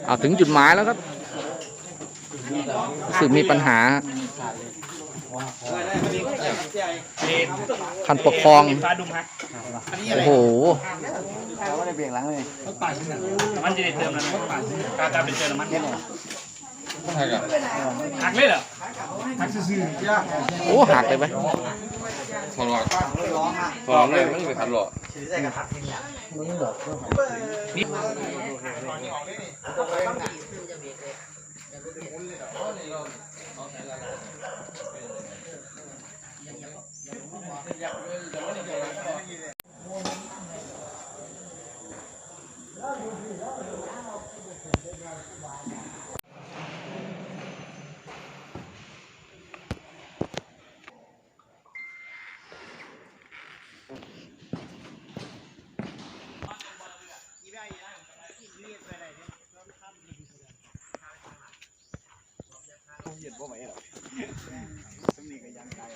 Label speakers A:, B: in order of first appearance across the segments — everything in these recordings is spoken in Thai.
A: ถึงจุดหมายแล้วครับรู้สึกมีปัญหาคันปกครองโอ้โห
B: ไม่ได้เบี่ยงหลังเลย
C: มันจะได้เติมแล้วการเป็นเติมน้ำมันหักเลยเหรอหักซื่อ
A: โอ้หักเลยไหม
D: ถอดหลอดถอดเลยไม่ไปทันหลอด
B: เหยียดบ่ไหวหรอสมีก็ยังใจ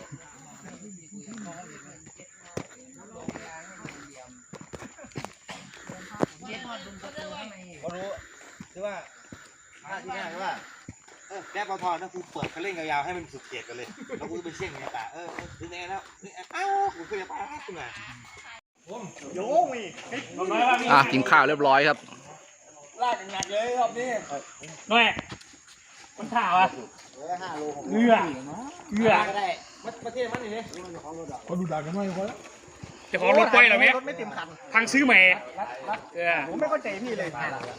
B: เขารู้คือว่าหน้าที่แรกว่าแก้ปอทอนถ้ากูเปิดคันเร่งยาวๆให้มันสุดเกียรกันเลยแล้วกูไปเชี่ยงในป่าถึงไงแล้วอ้าวกูเคยไปกูไงโย่ง
A: กินข้าวเรียบร้อยครับ
B: ลากกันหนักเลยรอบนี้
C: น้อยมันข่าวอ่ะ
B: 5 โล
C: เกลือ
B: ก็ได้มาเทียบมันนี่
E: เขาดูด่ากันหน่อยพอแล้ว
C: จะขอรถไปเหรอแม่
B: รถไม่เต็มคัน
C: ทางซื้อใหม่
B: ผมไม่เข้าใจพี่เลย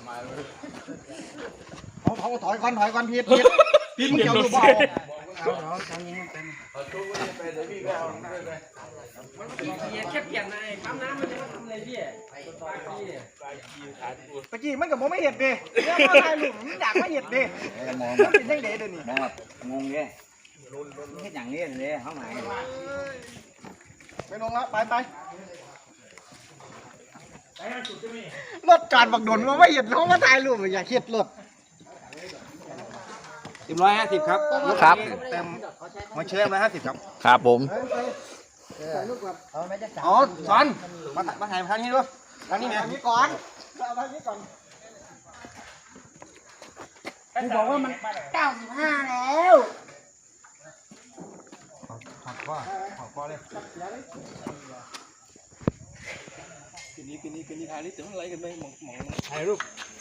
B: เขาถอยก่อนพีดมึงเกี่ยวดูเบา
C: แค่เปลี่ยนในปั๊มน้ำมันจะมาทำอะไรพี่
B: ตะกี้มันกับผมไม่เห็ดดิเนี่ยว่าอะไรหลุมอยากไม่เห็ดดิมองเป็นยังเด็ดเดี๋ยวนี้มองแบบงงเลยเห็ดอย่างนี้เลยเขาหมายไปลงแล้วไปรถการบักดนว่าไม่เห็ดเขามาถ่ายรูปอยากเห็ดรถ150ครับ
A: ครับ
B: เต็มมาเชื่อม150ครับ
A: ครับผม
B: อ๋อสอนมาถ่ายทางนี้ด้วยทางนี้ไงนี่ก่อนเอาทางนี้ก่อนกูบอกว่ามัน95แล้วขอเลยกินนี้ทาลิถึงอะไรกันไหมมองถ่ายรูป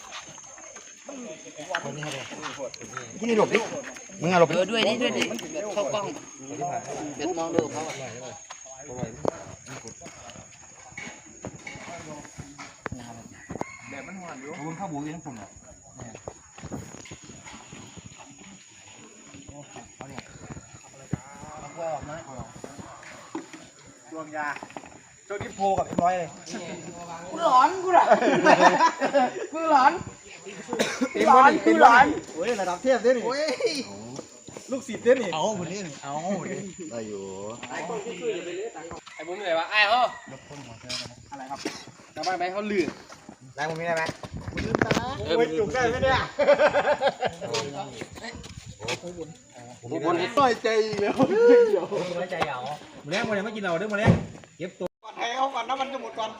B: กินนี่หลบดิมึงอะหลบ
F: ด้วยดิเข้ากล้องเดี๋ยวมองดูเขา
B: แบบมันหวานอยู่คุณข้าวบูยังผมอ่ะดวงยาโจดิโพกับ100เลย
F: กูหลอนโ
B: อ้ยระดับเทียบเด้นี่ลูกศิษย์เด้นี่เอาคนนี้เอาได้อยู่
C: ไอ้บุ้มเลยวะไอ้เขา
B: อะไรครับ
C: ชาวบ้านไปเขาลื่น
B: ได้มุมนี้ได้ไหมลืมตาโอ้ยจุกได้ไหมเนี่ยผมน้อยใจอีกแล้ว
C: น้อยใจเหรอ
E: มาแล้วไม่กินเราเด้อมาแล้วเก็บตัว
B: ก่อนให้เขาก่อนนะมันจะหมดก่อน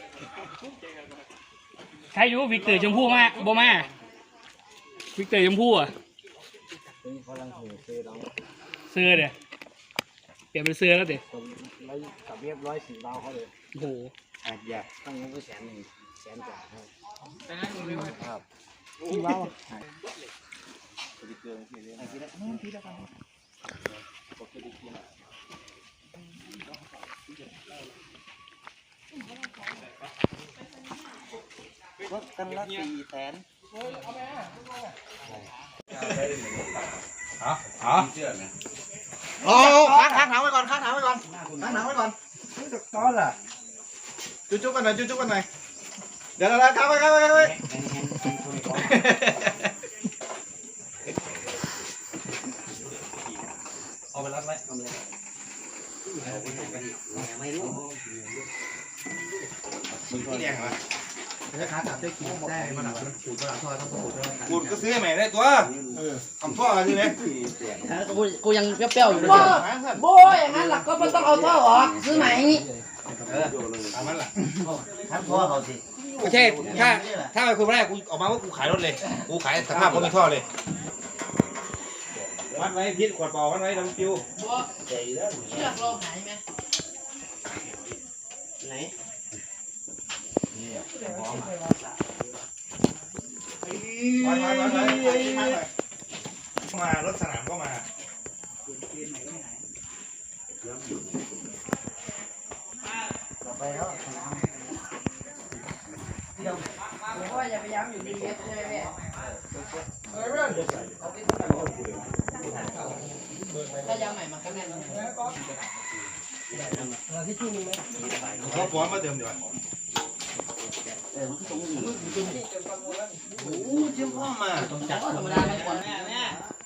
C: ใครอยู่วิกเตอร์ชมพู่มาบ่มาวิกเตอร์ชมพู่อ่ะเสื้อเดี๋ยเปลี่ยนเป็นเสื้อแล้วเดี๋ย
B: กับเรียบ104ดาวเขาเลย
C: โอ้โห
B: อย่าตั้งเงินก็100,000กว่าครับ
C: กี่ว้าว
B: รถกันละ400,000อ๋อค้างถามไว้ก่อนตอนล่ะจุ๊บกันหน่อยเดี๋ยวค้างไว้เอาไปรัดไว้ไม่รู้ที่แดงเหรอจะค้าจับได้กินได้มาหนักมันถูกมาหนักทอดต้องถูกด้วยกูก็ซื้อใหม่ได้ตัวทำท่อใช่ไหม
F: กูยังเปรี้ยวอยู่เลยโบ้อย่างนั้นหลักก็ไม่ต้องเอาท่อออกซื้อไหน
B: ทำมันล่ะทำท่อเขาสิไม่ใช่ถ้าไปคุยไม่ได้กูออกมาว่ากูขายรถเลยกูขายสภาพก็มีท่อเลยวัดไว้พิษขวดเปล่าวัดไว้ลำปิว
F: บัวเชือกเราหายไหม
B: ไหนมารถสนามก็มา
F: เพราะว่าอย่าไปย้ำอยู่ดีเอสใช่ไหมแม่ถ้าย้ำใหม่มันก็แน่น
B: ขอป้อนมาเติมดีกว่า
F: ธรรมดาไม่ควรแม่